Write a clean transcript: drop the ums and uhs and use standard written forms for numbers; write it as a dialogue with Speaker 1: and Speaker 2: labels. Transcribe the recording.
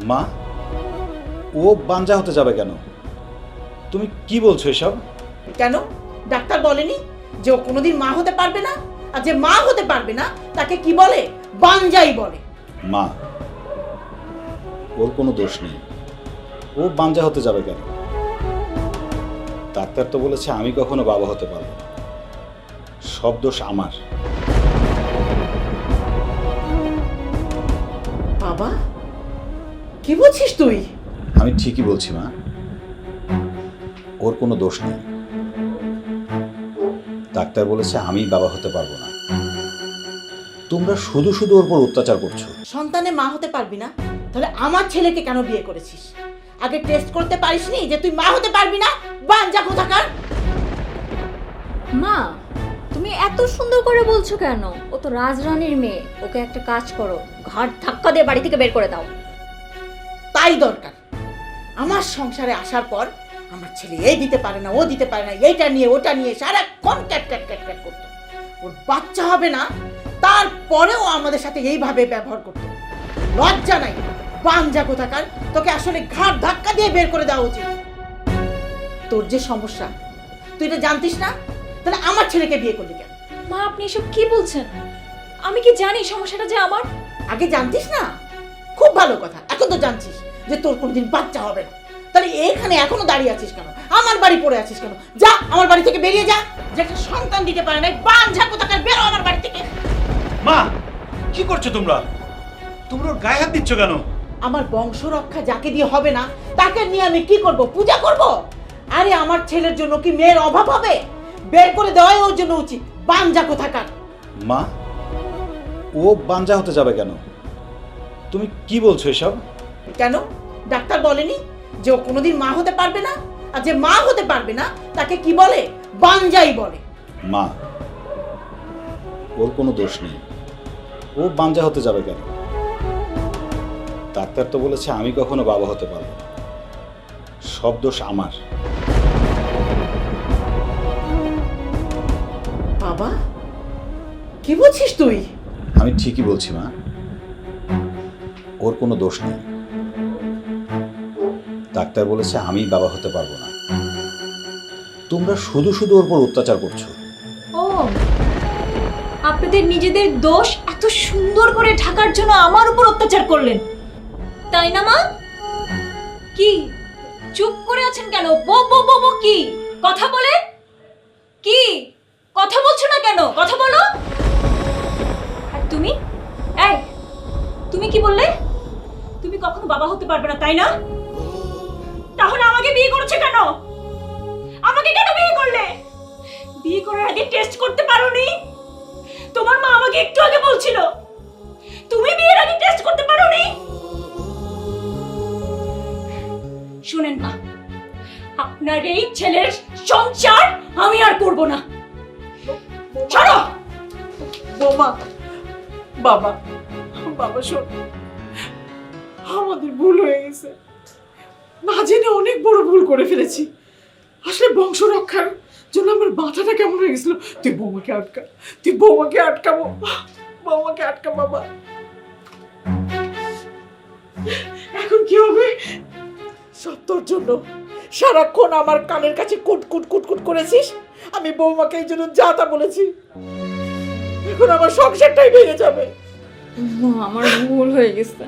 Speaker 1: মা, ও বাঞ্জা হতে যাবে কেন? তুমি কি বলছো এসব?
Speaker 2: কেন ডাক্তার বলেনি যে ও কোনোদিন মা হতে পারবে না? আর যে মা হতে পারবে না তাকে কি বলে? বাঞ্জাই বলে।
Speaker 1: মা, ওর কোনো দোষ নেই। ও বাঞ্জা হতে যাবে কেন? ডাক্তার তো বলেছে আমি কখনো বাবা হতে পারবো না। সব দোষ আমার।
Speaker 2: বাবা, কি বলছিস তুই?
Speaker 1: আমি ঠিকই বলছি মা, ওর কোনো দোষ নেই। ডাক্তার বলেছে আমি বাবা হতে পারবো না। তোমরা শুধু শুধু ওর উপর অত্যাচার করছো।
Speaker 2: সন্তানে মা হতে পারবি না? তাহলে আমার ছেলেকে কেন বিয়ে করেছিস? আগে টেস্ট করতে পারিসনি যে তুই মা হতে পারবি না? বাঞ্জা কোথাকার!
Speaker 3: মা, তুমি এত সুন্দর করে বলছো কেন? ও তো রাজরানীর মেয়ে। ওকে একটা কাজ করো, ঘাট ধাক্কা দিয়ে বাড়ি থেকে বের করে দাও।
Speaker 2: তাই দরকার। আমার সংসারে আসার পর আমার ছেলে এই দিতে পারে না, ও দিতে পারে না, এইটা নিয়ে ওটা নিয়ে সারাক্ষণ ক্যাট ক্যাট ক্যাট ক্যাট করতো। ওর বাচ্চা হবে না, তারপরেও আমাদের সাথে এইভাবে ব্যবহার করতো। লজ্জা নাই? বাঞ্জা কোথাকার! তোকে আসলে ঘাট ধাক্কা দিয়ে বের করে দেওয়া উচিত। তোর যে সমস্যা, তুই এটা জানতিস না? তাহলে আমার ছেলেকে বিয়ে করলি কেন?
Speaker 3: মা, আপনি এসব কি বলছেন? আমি কি জানি সমস্যাটা যে আমার?
Speaker 2: আগে জানতিস না? খুব ভালো কথা। এখন তো জানছিস যে তোর কোনোদিন বাচ্চা হবে না। তাহলে এখানে এখনো দাঁড়িয়ে আছিস কেন? আমার বাড়ি পড়ে আছিস কেন? যা, আমার বাড়ি থেকে বেরিয়ে যা। যে একটা সন্তান দিতে পারে না, বাঞ্ঝা কোথাকার, বেরো আমার বাড়ি থেকে।
Speaker 1: মা, কি করছো তোমরা? তোমরা ওর গায়ে হাত দিচ্ছ কেন?
Speaker 2: আমার বংশ রক্ষা যাকে দিয়ে হবে না তাকে নিয়ে আমি কি করব? পূজা করব? আরে আমার ছেলের জন্য কি মেয়ের অভাব হবে? বের করে দেওয়াই ওর জন্য উচিত। বাঞ্ঝা কোথাকার!
Speaker 1: মা, ও বাঞ্জা হতে যাবে কেন? তুমি কি বলছো এসব?
Speaker 2: কেন ডাক্তার বলেনি যে ও কোনোদিন মা হতে পারবে না? আর যে মা হতে পারবে না তাকে কি বলে? বাঞ্জাই বলে।
Speaker 1: মা, ওর কোনো দোষ নেই। ও বাঞ্জা হতে যাবে কেন? ডাক্তার তো বলেছে আমি কখনো বাবা হতে পারবো না। সব দোষ আমার।
Speaker 2: বাবা, কি বলছিস তুই?
Speaker 1: আমি ঠিকই বলছি মা, ওর কোনো দোষ নেই। ডাক্তার বলেছে আমি বাবা হতে পারবো না। তোমরা শুধু শুধু ওর উপর অত্যাচার করছো।
Speaker 3: ও, আপনাদের নিজেদের দোষ এত সুন্দর করে ঢাকার জন্য আমার উপর অত্যাচার করলেন, তাই না মা? কি চুপ করে আছেন কেন? বো বো বো বো, কি কথা বলে? কি কথা বলছো না কেন? কথা বলো। আর তুমি, এই, তুমি কি বললে? তুমি কখনো বাবা হতে পারবে না, তাই না? তাহলে আমাকে বিয়ে করেছো কেন? আমাকে কেন বিয়ে করলে? বিয়ে করার আগে টেস্ট করতে পারোনি? তোমার মা আমাকে একটু আগে বলছিল তুমি বিয়ের আগে টেস্ট করতে পারোনি। শুনেন মা, আপনার এই ছেলের সংসার আমি আর করব না। ছাড়ো।
Speaker 2: বৌমা, বাবা, বাবা শোন, আমাদের ভুল হয়ে গেছে। না জেনে অনেক বড় ভুল করে ফেলেছি। আসলে বংশ রক্ষার জন্য আমার মাথাটা কেমন হয়ে গেছিল। তুই বৌমাকে আটকা, তুই বৌমাকে আটকাবো, বৌমাকে আটকা বাবা। এখন কি হবে? সত্যর জন্য সারাক্ষণ আমার কানের কাছে কুট কুট কুট কুট করেছিস। আমি বৌমাকে এই জন্য যা তা বলেছি। এখন আমার সংসারটাই ভেঙে যাবে।
Speaker 3: আমার ভুল হয়ে গেছে।